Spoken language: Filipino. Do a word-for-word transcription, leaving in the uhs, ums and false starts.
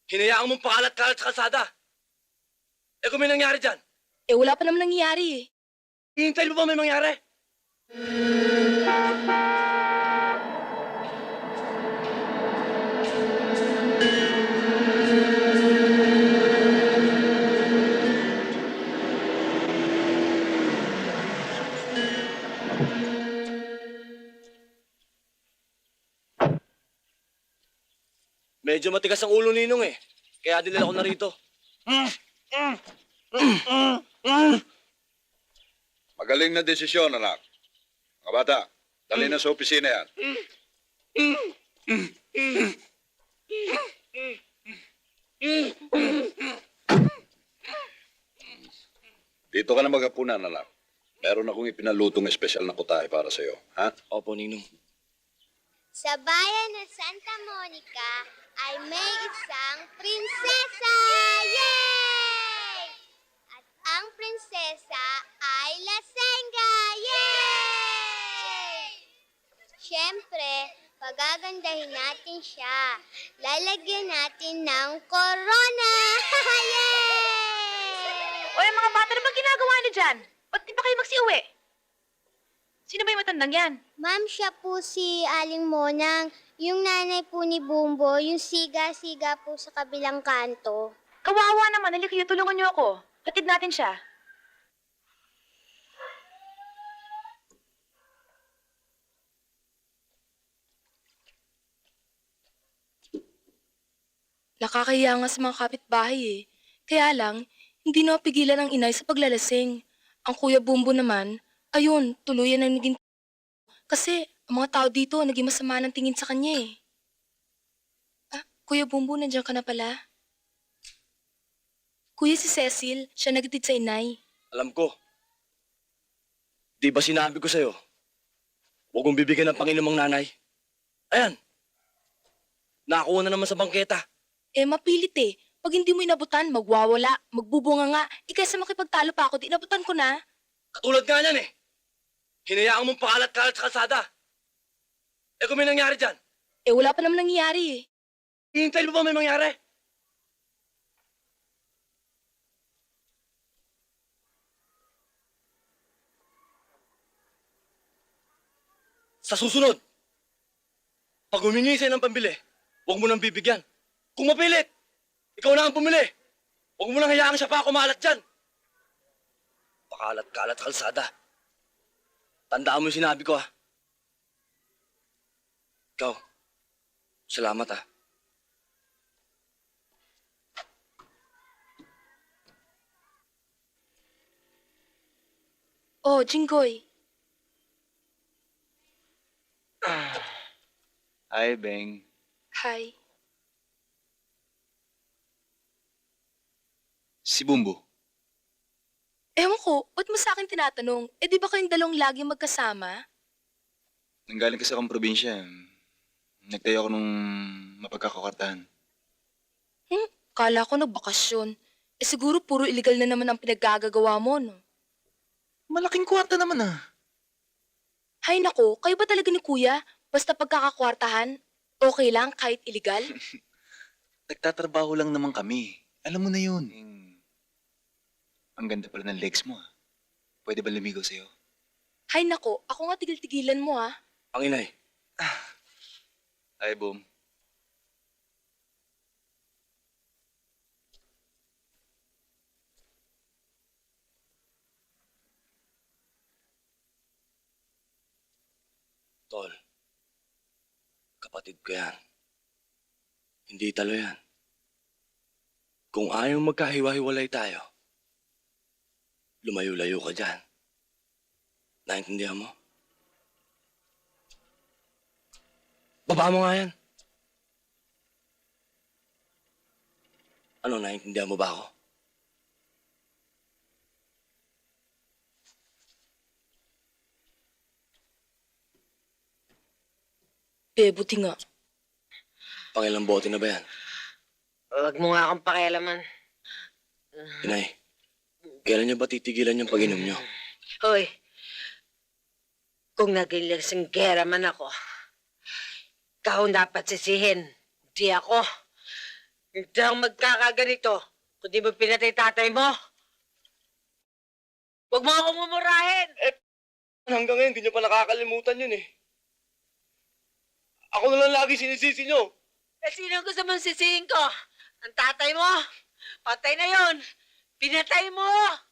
Hinayaan mong pakalat-kalat sa kalsada. Eh kung may nangyari dyan, Eh, wala pa naman nangyayari eh. hihintayin mo ba may mangyari? Medyo matigas ang ulo ninong eh. Kaya dinala ko na rito. Magaling na desisyon, anak. Mga bata, dali na sa opisina yan. Dito ka na maghapunan, anak. Meron akong ipinalutong espesyal na kutahe para sa'yo, ha? Opo, ninong. Sa bayan ng Santa Monica ay may isang prinsesa! Yay! At ang prinsesa ay lasengga! Yay! Siyempre, pagagandahin natin siya. Lalagyan natin ng corona! Yay! O, yung mga bata na ba ginagawa niyo dyan? Ba't di pa kayo magsiuwi? Sino ba yung matandang yan? Ma'am, siya po si Aling Monang. Yung nanay po ni Bumbo, yung siga-siga po sa kabilang kanto. Kawawa naman, halika kayo, tulungan niyo ako. Hatid natin siya. Nakakahiya nga sa mga kapitbahay eh. Kaya lang, hindi napigilan ang inay sa paglalasing. Ang Kuya Bumbo naman, ayun, tuluyan ang naging kasi ang mga tao dito naging masama ng tingin sa kanya eh. Ah, Kuya Bumbo, nandiyan ka na pala. Kuya, si Cecil, siya nagtitid sa inay. Alam ko. Di ba sinabi ko sa'yo? Huwag mong bibigyan ng Panginoong nanay. Ayan. Nakakuha na naman sa bangketa. Eh, mapilit eh. Pag hindi mo inabutan, magwawala, magbubunga nga. Eh, kaysa makipagtalo pa ako, di inabutan ko na. Katulad nga niyan eh. Hinayaan mong pakalat-kalat sa kalsada. Eh kung may nangyari dyan, Eh, wala pa naman nangyayari eh. hihintayin mo ba may mangyari? Sa susunod, pag humingi sa'yo ng pambili, huwag mo nang bibigyan. Kung mapilit, ikaw na ang pumili. Huwag mo nang hayaan siya pa kumalat dyan. Pakalat-kalat sa kalsada. Tandaan mo yung sinabi ko, ha? Ikaw, salamat, ha? Oh, Jinggoy. Hi, Beng. Hi. Si Bumbo. Ewan ko, ba't mo sa akin tinatanong? Eh, di ba kayong dalawang lagi magkasama? Nanggaling kasi akong probinsya. Nagtayo ako nung mapagkakakartahan. Hmm, kala ko nagbakasyon. Eh, siguro puro illegal na naman ang pinaggagawa mo, no? Malaking kwarta naman ah. Hay nako, kayo ba talaga ni Kuya? Basta pagkakakwartahan, okay lang kahit illegal? Nagtatrabaho lang naman kami. Alam mo na yun. Ang ganda pala ng legs mo ah. Pwede ba lumigaw sa'yo? Hay nako, ako nga tigil-tigilan mo ah. Ang inay. Hi, Boom. Tol, kapatid ko yan. Hindi talo yan. Kung ayaw magkahiwa-hiwalay tayo, lumayo-layo ka dyan. Naintindihan mo? Baba mo nga yan. Ano, naintindihan mo ba ako? Eh, buti nga. Pangilang bote na ba yan? Huwag mo nga akong pakialaman. Inay, kailan niyo ba titigilan yung pag-inom niyo? Hoy, kung naging lasinggera man ako, ikaw dapat sisihin, di ako. Hindi ako magkakaganito kung di mo pinatay tatay mo. Huwag mo akong mumurahin. Hanggang ngayon, hindi nyo pa nakakalimutan yun eh. Ako na lang lagi sinisisi nyo. Eh, sino ang gusto mong sisihin ko? Ang tatay mo? Patay na yon. Pinatay mo!